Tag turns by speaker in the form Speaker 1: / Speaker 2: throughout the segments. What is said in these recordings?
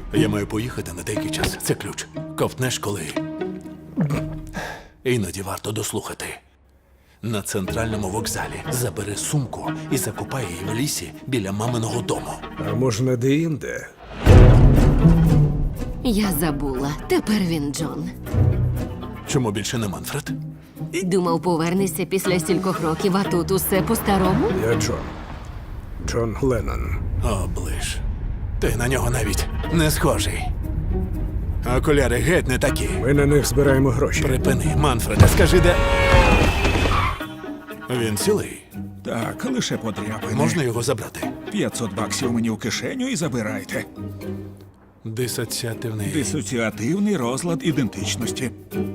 Speaker 1: Я маю поїхати на деякий час. Це ключ. Ковтнеш коли. Іноді варто дослухати. На центральному вокзалі забери сумку і закопай її в лісі біля маминого дому.
Speaker 2: А можна де-інде?
Speaker 3: Я забула. Тепер він Джон.
Speaker 1: Чому більше не Манфред?
Speaker 3: Думав, повернешся після стількох років, а тут усе по-старому?
Speaker 2: Я Джон. Джон Леннон.
Speaker 1: Оближ. Ти на нього навіть не схожий. Окуляри геть не такі.
Speaker 2: Ми на них збираємо гроші.
Speaker 1: Припини, Манфреде, скажи, де. Він цілий.
Speaker 4: Так, лише подряпини.
Speaker 1: Можна його забрати?
Speaker 4: $500 мені в кишеню і забирайте.
Speaker 1: Дисоціативний.
Speaker 4: Дисоціативний розлад ідентичності.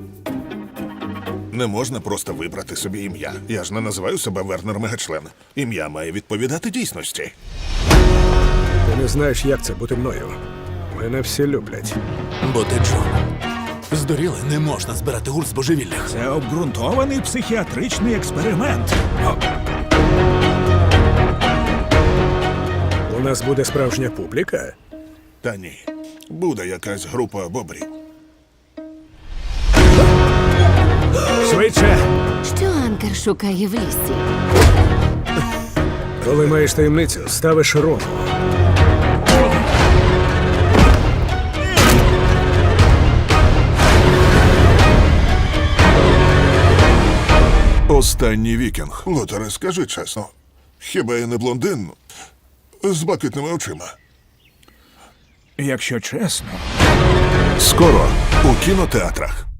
Speaker 5: Не можна просто вибрати собі ім'я. Я ж не називаю себе Вернер Мегачлен. Ім'я має відповідати дійсності.
Speaker 2: Ти не знаєш, як це бути мною. Мене всі люблять.
Speaker 1: Бо ти Джон. Здуріли, не можна збирати гурт з божевіллях.
Speaker 4: Це обґрунтований психіатричний експеримент.
Speaker 2: У нас буде справжня публіка.
Speaker 5: Та ні. Буде якась група бобрів.
Speaker 2: Швидше!
Speaker 3: Що Анкер шукає в лісі?
Speaker 2: Коли маєш таємницю, ставиш рому.
Speaker 5: Останній вікінг. Лотере, скажи чесно. Хіба я не блондин з блакитними очима?
Speaker 4: Якщо чесно,
Speaker 5: Скоро у кінотеатрах.